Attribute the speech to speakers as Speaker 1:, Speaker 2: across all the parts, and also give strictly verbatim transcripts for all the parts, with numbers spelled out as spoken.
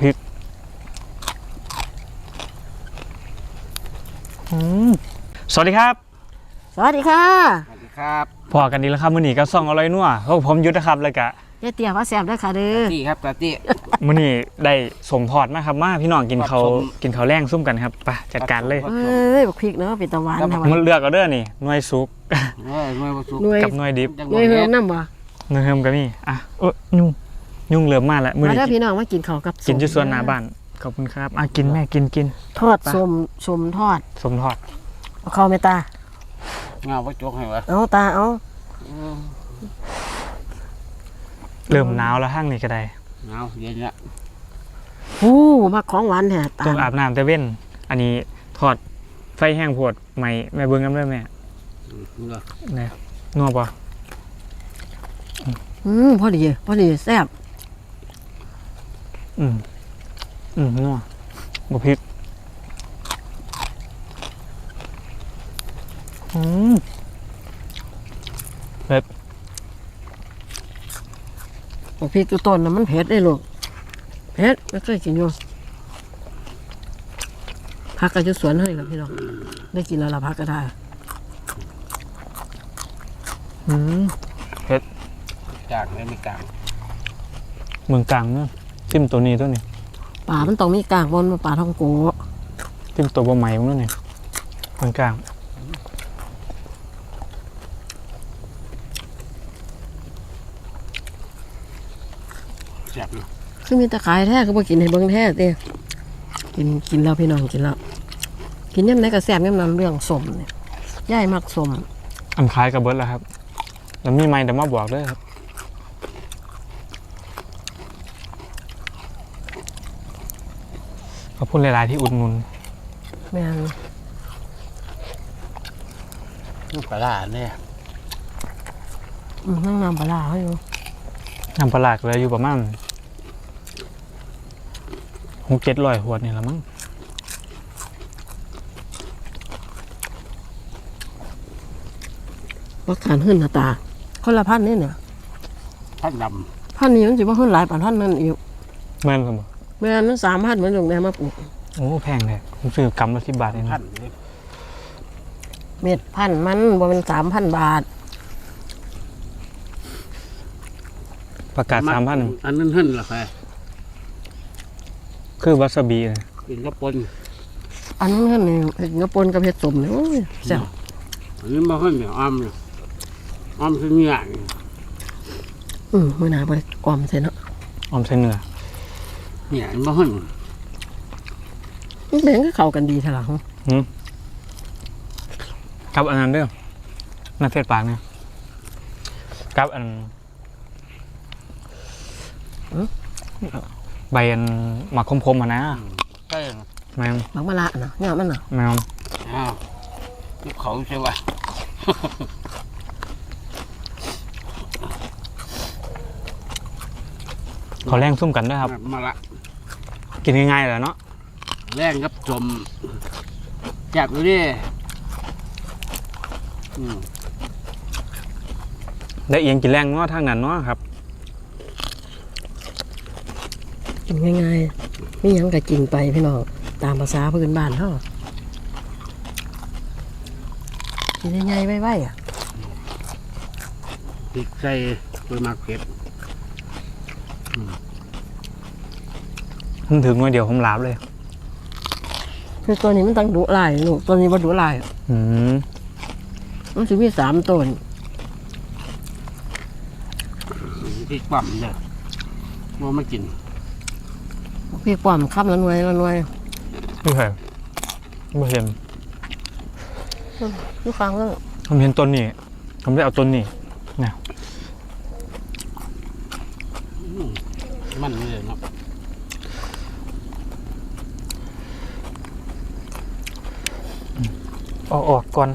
Speaker 1: พริกสวัสดีครับ
Speaker 2: สวัสดีค่ะ
Speaker 3: สวัสดีครับ
Speaker 1: พอกันดีแล้วครับมื้อนี้ก็ซ่องอร่อยนัวพวกผมยุทธนะครับเลยกะ
Speaker 2: เจ๊เตี๋ยวว่าแซ่บด้วยค่ะเด้อ
Speaker 3: ตี้ครับตาตี้
Speaker 1: มื้อนี้ได้สมทอดมาครับมาพี่น้องกินเขากินเขาแรงซุ่มกันครับไปจัดการเลย
Speaker 2: เอ้ยบักพริกเนาะเป็นตะวันนะ
Speaker 1: มันเลือกเอาเด้อนี่หน่วยซุกกับหน่วยดิบ
Speaker 2: หน่วยเฮิมน้ำบ่
Speaker 1: หน่วยเฮิมก็มีอ่ะเออยุ่งยุ่งเริ่มมาแล้ว
Speaker 2: มื้อนี้มาเด้อพี่น้องมากินข้าวกับ
Speaker 1: กินอยู่ส่วนหน้าบ้านขอบคุณครับอ่ะกินแม่กินกิน
Speaker 2: ทอดสมสมทอด
Speaker 1: สมทอด
Speaker 2: เอาเข้าแม่ตา
Speaker 3: เงาว่าจกให้วะ
Speaker 2: เอาตาเอา
Speaker 1: เริ่มหนาวแล้วห้างนี่ก็ได้
Speaker 3: หนาวเย็นละ
Speaker 2: อู้มาของหวานแท้
Speaker 1: ตาต้องอาบน้ำแต่เว้นอันนี้ทอดไฟแห้งโพดใหม่แม่เบิ่งกันได้แม่เนี่ยนัวป่ะ
Speaker 2: อืมพอดีพอดีแซ่บ
Speaker 1: อืมอืมนัวบะพริกอืมเผ็ด
Speaker 2: บักพริกตัวต้นน่ะมันเผ็ดได้ลูกเผ็ดไม่เคยกินอยู่พักกันจะสวนให้กับพี่น้องได้กินแล้วละพักก็ได้
Speaker 1: อืมเผ็ด
Speaker 3: กลางไม่มีกลาง
Speaker 1: เมืองกลางเนาะจิ้มตัวนี้ตัวนี้
Speaker 2: ป่ามันต้องมีกลางบนป่าทองโก
Speaker 1: จิ้มตัวบะไหม้มันนั่นนี่เมืองกลาง
Speaker 3: แซ่บเลย
Speaker 2: คือมีตะขายแท้ก็บ่กินให้เบิ่งแท้เต้กินกินแล้วพี่น้องกินแล้วกินย่ำไหนก็แซ่บย่ำนั้นเรื่องสมเนี่ยย่ายมักสม
Speaker 1: อันคล้ายกับเบิร์ดแล้วครับแล้วมีไม้แต่มาบอกด้วยครับขอบคุณหลายๆที่อุดหนุน
Speaker 2: แม่น
Speaker 3: น้ำปลาเนี่ย
Speaker 2: นั่งน้ำปลาเขาอยู่
Speaker 1: น้ำปลาเลยอยู่ประมาณหกเจ็ดร้อยขวดนี่ละมั้ง
Speaker 2: วักฐานขึ้นหน้าตาคนละพันนี่เนี่ย
Speaker 3: พันด
Speaker 2: ำพันนี้มันจะว่าขึ้นหลายพันพันนั่นอีก
Speaker 1: แม่นครับ
Speaker 2: แม่นั้นสามพันเหมือนหลวงแดงมาปลูก
Speaker 1: โอ้แพงเลยผมซื้อกำละสิบบาทเอง
Speaker 3: พัน
Speaker 2: เม็ดพันมันบ่เป็นสามพันบาท
Speaker 1: ประกาศสามพัน
Speaker 3: อันนั้นขึ้นหรอใคร
Speaker 1: คือวาซาบิ
Speaker 3: กินกระปน
Speaker 2: อันนั้นขึ้นนี่เห็ดกระปนกับเห็ดสมเนี่ยโอ้ยแซ่บ
Speaker 3: อันนี้มาขึ้นเนี่ยอ้อมเนี่ยอ้อมคือเนื้อ
Speaker 2: อืมมือหนาไปออมเสร็จแล้ว
Speaker 1: ออมเส้นเนื้อ
Speaker 3: เนี่ยมาขึ้น
Speaker 2: มันเป็นก็เข้ากันดีทีหลัง
Speaker 1: อืมกับอันนั้นด้วยน่าเสียดปากเนี่ยกับอันใบอันหมักคมๆอ่ะนะ
Speaker 3: ใช่
Speaker 1: แมง
Speaker 2: หมักมะละนะเนี่ยมันน่ะ
Speaker 1: แมง
Speaker 3: อ้าวเขาใช่ไหม
Speaker 1: เขาแรงซุ่มกันด้วยครับ
Speaker 3: มาละ
Speaker 1: กินง่ายๆเลยเนาะ
Speaker 3: แรงครับจมจับดูดิ
Speaker 1: ได้เอียงกินแรงเนาะทางนั้นเนาะครับ
Speaker 2: กินง่ายๆไม่ยังก็กินไปพี่น้องตามภาษาพื้นบ้านเท่ากินง่ายๆไว้ๆอ่ะ
Speaker 3: พริกใส่ตัวมากเผ็ด
Speaker 1: ผมถึงวันเดียวผมลาบเลย
Speaker 2: คือตัวนี้มันต้องดุลายลูกตัวนี้ว่าดุลาย
Speaker 1: อืม
Speaker 2: มันจะมีสามต้น
Speaker 3: พริกปั่มเนี่ยว่าไม่กิน
Speaker 2: พริกปั่มข้ามละหน่วยละหน่วย
Speaker 1: ไม่เคยไม่เห็น
Speaker 2: ลูกค้างก็
Speaker 1: ผมเห็นต้นนี้ผมได้เอาต้นนี้เนี่ย
Speaker 3: มันเลยเนาะ
Speaker 1: ออกออกก่อน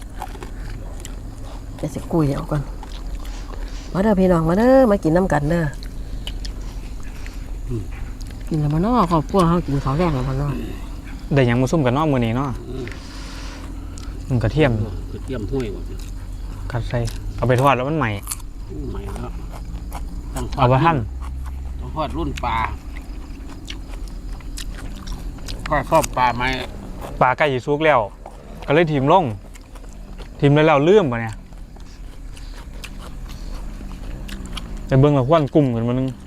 Speaker 2: จะสิกุยเอาก่อนมาเด้อพี่น้องมาเด้อมากินน้ำกันเด้อกินแล้วมาเนาะครอบครัวเขากินข้าวแดงแล้วมาเนาะ
Speaker 1: ได้ยังมาซุ่มกันเนาะมื้อนี้เนาะมันกระเทียม
Speaker 3: กระเทียมห้วยหมด
Speaker 1: กัดใส่เอาไปทอดแล้วมันใหม่
Speaker 3: ใหม่แล้ว
Speaker 1: เอาไปหั่น
Speaker 3: ต้องทอดรุ่นปลาก็ชอบปลาไหม
Speaker 1: ปลาใกล้จะสุกแล้วก็เลยทีมลงทีมแล้วเราเลื่อมปะเนี่ยแต่เบิ่งเราควันกลุ่มกันมานึง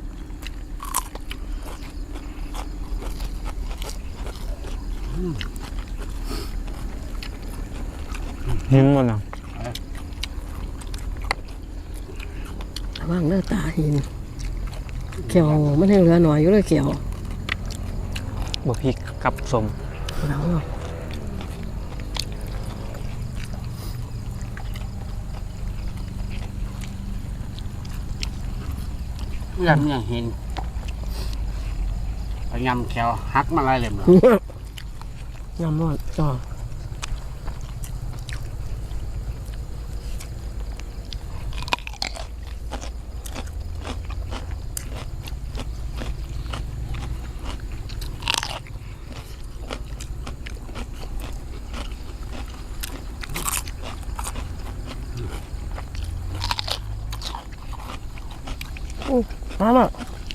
Speaker 1: หินมันอ่ะ
Speaker 2: ว่างเลือตาหินเขียวมันให้เหลือหน่อยอยู่เลยเขียว
Speaker 1: บะพริกกับสม
Speaker 2: แล้วเนาะ
Speaker 3: เพื่อนยังเห็นพยายามแขวหักมาลายเหลี่ยมเลย
Speaker 2: ยำหมดจ้อ มาละ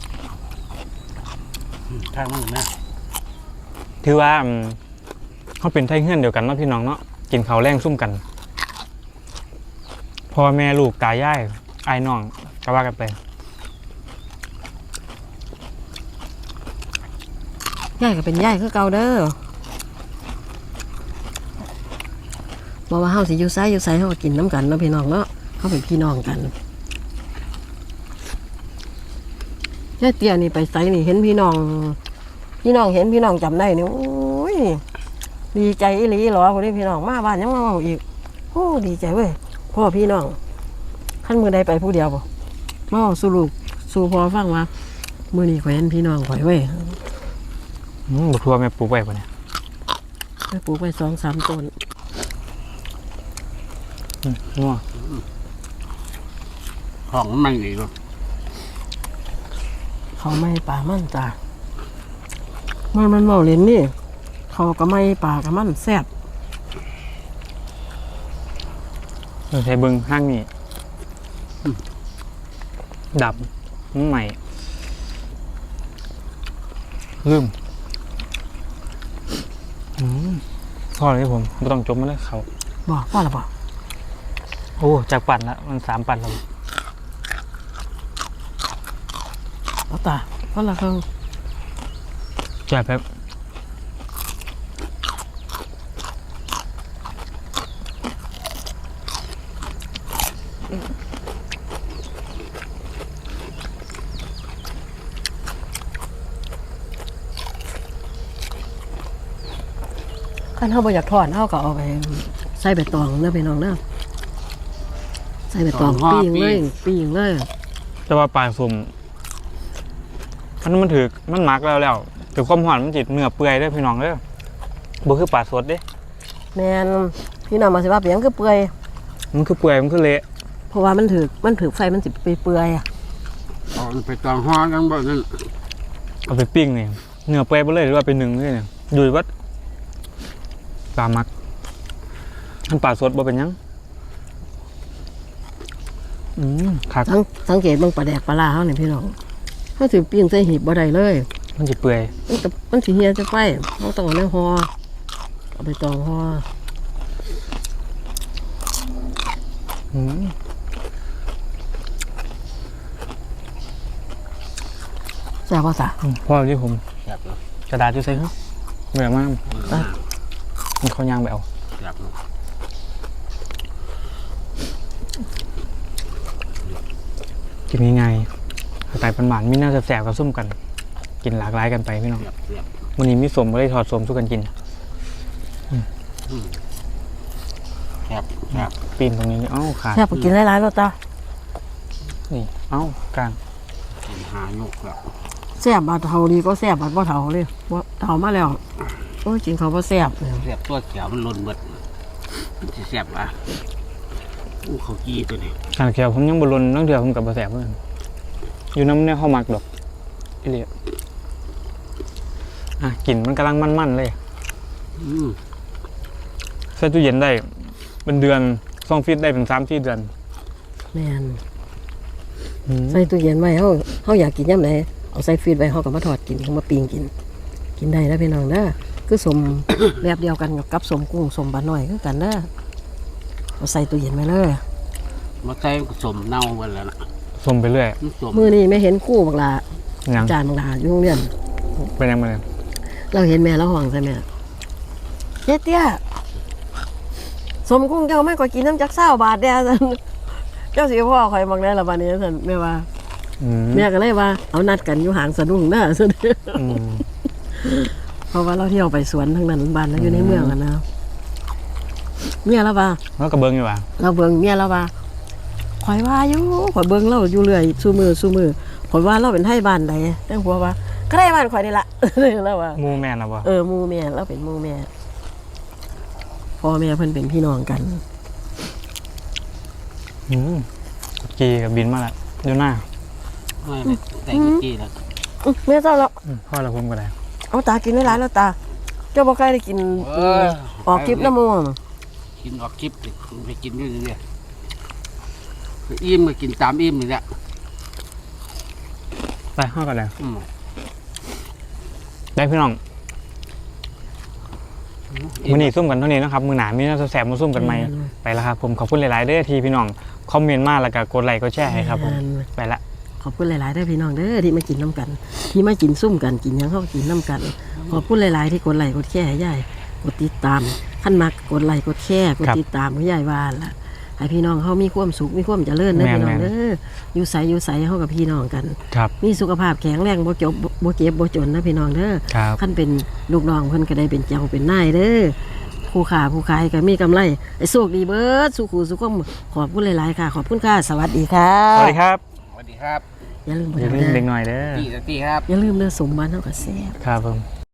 Speaker 3: ทางมันนะ
Speaker 1: ถือว่าอืมเขาเป็นไทเฮือนเดียวกันเนาะพี่น้องเนาะกินข้าวแรงซุ่มกันพ่อแม่ลูกตายายไอ้ายน้องก็ว่ากันไป
Speaker 2: ย่ายก็เป็นย่ายคือเก่าเด้อบอกว่าเฮาสิอยู่ไสอยู่ไสเฮาก็กินน้ำกันเนาะพี่น้องเนาะเฮาเป็นพี่น้องกันย่ายเตี้ยนี่ไปไสนี่เห็นพี่น้อง พี่น้องเห็นพี่น้องจำได้นี่โอ้ยดีใจอีหลีหรอคนนี้พี่น้องมาบ้านยังมาเอาอีกโอ้ดีใจเว้ยพ่อพี่น้องขั้นมือใดไปผู้เดียวบ่มาเอาสู่ลูกสู่พ่อฟังว่ามื้อนี้ข่อยเห็นพี่น้องข่อยเว้ย
Speaker 1: อืมบุทัวแม่ปลูกไว้ปะเนี่ย
Speaker 2: ไปปลูกไปสองสามต้น
Speaker 1: อืมนัว
Speaker 3: ของมันอีกเลย
Speaker 2: เขาไม่ป่ามันจ้ามันมันเมาเล่นนี่เขาก็ไม่ป่ากับมันแซ่บ
Speaker 1: เราใช้เบิ้งห้างนี่ดับมันใหม่ลืมอืมพอเลยผมไม่ต้องจมมาเลยเขา
Speaker 2: บอกว่าละบอก
Speaker 1: โอ้จากปั่นละมันสามปั่นแล้ว
Speaker 2: เอาตาเพราะละเขา
Speaker 1: แจ่บแบบ
Speaker 2: ขั้นเขาบ่อยากทอดเขาก็เอาไปใส่ใบตองเนื้อไปน้องเนื้อใส่ใบตองปีงเลยปีงเลย
Speaker 1: แต่ว่าปลาสุ่มอันนั้นมันถือมันหมักแล้วแล้วถือความหวานมันจิตเนื้อเปื่อยได้อพี่น้องเด้อบ่คือปลาสดเด้
Speaker 2: แมนพี่น้องมาสิว่าเปลี่ยนคือเปื่อย
Speaker 1: มันคือเปื่อยมันคือเละ
Speaker 2: เพราะว่ามันถือมันถือไฟมันสิไปเปื่อยอ่ะ
Speaker 3: เอาไปตองห้อกันบ่นั่น
Speaker 1: เอาไปปิ้งนี่เนื้อเปื่อยไปเลยหรือว่าไปนึ่งเลยเนี่ยอยู่ที่วัดปลาหมักมันปลาสดบ่เป็นหยังอืมคัก
Speaker 2: สังสังเกตเบิ่งปลาแดกปลาลาเขาเนี่ยพี่น้องเขาถือปิ้งใส่หีบบ่ได้เลย
Speaker 1: มันจะเปื่อย
Speaker 2: มันก็มันสิเฮียจะไฟเขาต้องเอาในห่อเอาไปตองห่อ
Speaker 1: อืม
Speaker 2: แซ่บว่าซะ
Speaker 1: พ่อที่ผม
Speaker 3: แซ่บเลย
Speaker 1: กระดาษที่ใส่เขาเหนื่อยมากมันเขายางไปเอา
Speaker 3: แซ่บเลย
Speaker 1: กินง่ายๆสไตล์ปันหวานมีน่าจะแสบกับส้มกัน กินหลากหลายกันไปพี่น้อง
Speaker 3: แซ่บแซ่บ
Speaker 1: วันนี้มีสมก็ได้ถอดสมสู้กันกิน
Speaker 3: แซ่บแซ่บ
Speaker 1: ปีนตรงนี้เอ้าขาด
Speaker 2: แซ่บก็กินหลายๆรสจ้า
Speaker 1: นี่เอ้ากลาง
Speaker 3: กินหายุกแล้ว
Speaker 2: แซ่บบาดเทาดีก็แซ่บบาดบ่เทาเลยบ่เทามาแล้วโอ้ยกินเขาบ่แซ่บเลย
Speaker 3: แซ่บตัวเขียวมันล้นเบิดมันสิแซ่บอ่ะอู้เขากี้ตัวนี้
Speaker 1: การเขียวผมยังบรนต้องเดือดผมกับบะแสบเพื่อนอยู่น้ำเนี่ยเข้ามักดอกอีเลียอ่ะกลิ่นมันกำลังมันๆเลย
Speaker 3: อืม
Speaker 1: ใส่ตู้เย็นได้เป็นเดือนซ่องฟิตได้เป็นสามที่เดือน
Speaker 2: แม่น
Speaker 1: อืม
Speaker 2: ใส่ตู้เย็นไว้เฮาเฮาอยากกินยามใดเอาใส่ฟรีซไว้เฮาก็มาทอดกินเฮามาปิ้งกินกินได้แล้วพี่น้องเด้อคือสม แบบเดียวกันกับสมกุ้งสมปลาหน่อยคือกันเด้อเอาใส่ตู้เย็นไว้เลย
Speaker 3: มาใส่สมเน่าหมดแล้วนะ
Speaker 1: ส้มไปเรื่อย
Speaker 3: มันสม
Speaker 2: มื้อนี้ไม่เห็นกู้บักลา
Speaker 1: ยัง
Speaker 2: จานบักลาอยู่โรงเรียน
Speaker 1: เป็นยังไงเลย
Speaker 2: เราเห็นแม่เราห้องใช่ไหมเจ๊เตี้ยสมกุ้งเจ้าไม่ก็กินน้ำจักเศร้าบาทเดียวสันเจ้าสิพ่อคอยมองได้ละบานนี้สันแม่ว่า
Speaker 1: อืม
Speaker 2: แม่ก็เลยว่าเอานัดกันอยู่หางสะดุ้งเด้อสัน
Speaker 1: อืม
Speaker 2: เพราะว่าเราเที่ยวไปสวนทั้งนั้นบ้านแล้วอยู่ในเมืองกันนะเมียเราว่า
Speaker 1: แล้วก็เบิ้งอยู่ว่ะ
Speaker 2: เราเบิ่งเมียเราว่าคอยว่าอยู่คอยเบิ่งเราอยู่เรื่อยสู้มือสู้มือคอยว่าเราเป็นไทยบ้านใดแต่หัวว่าก็ได้บ้านคอยนี่ละ เราว่า
Speaker 1: หมูแม่นนะบ่
Speaker 2: เออหมูแม่เราเป็นหมูแม่พ่อแม่เพิ่นเป็นพี่น้องกัน
Speaker 1: อืมกีกับบินมาแล้วอยู่หน้า
Speaker 3: ไม่ไม่แต่กุจี้แล้ว
Speaker 2: อื้อแม่เจ้าแล้ว
Speaker 1: อืมพ่อเราผมก็ได้
Speaker 2: เอาตากินได้หลายแล้วตา เจ้าบ่ใกล้ได้กิน
Speaker 3: เออ
Speaker 2: ออกคลิปน้ำมูก
Speaker 3: กินออกคลิปไปกินอยู่นี่เนี่ยอิ่มก็กินตามอิ่มนี่แหละ
Speaker 1: ไปห้อกันเลย
Speaker 3: อืม
Speaker 1: ได้พี่น้องมือนี้ซุ่มกันเท่านี้นะครับมือหนามีน่าจะแสบมาซุ่มกันไหมไปแล้วครับผมขอบคุณหลายๆเด้อที่พี่น้องคอมเมนต์มาแล้วก็กดไลค์กดแชร์ให้ครับผมไปละ
Speaker 2: ขอบคุณหลายๆเด้อพี่น้องเด้อที่มากินน้ำกัน ที่มากินซุ่มกันกินหยังเข้ากินน้ำกัน ขอบคุณหลายๆที่กดไลค์กดแชร์ให้ยายกดติดตามขั้นมักกดไลค์กดแชร์กดติดตามให้ยายว่าล่ะให้พี่น้องเขามีความสุขมีความเจริญเด้อพี่น้องเด้ออยู่ใสอยู่ใสเฮากับพี่น้องกัน
Speaker 1: ครับ
Speaker 2: มีสุขภาพแข็งแรงบ่จบบ่เจ็บบ่จนนะพี่น้องเด้อ
Speaker 1: ครับ
Speaker 2: ขั้นเป็นลูกน้องเพิ่นก็ได้เป็นเจ้าเป็นนายเด้อผู้ค้าผู้ขายก็มีกำไรไอ้โชคดีเบิดสุขุสุขมขอบคุณหลายๆค่ะ ขอบคุณค่ะสวัสดีค่ะ
Speaker 1: สวัสดีครับ
Speaker 3: สวัสดีครับ
Speaker 2: อย่าลืมบ่
Speaker 1: อย่าลืม
Speaker 2: เด้อ
Speaker 1: เด็กหน่อยเด้อ
Speaker 3: ตีสตีครับ
Speaker 2: อย่าลืมเด้อสมบัติเฮาก็แซ่บ
Speaker 1: ครับผม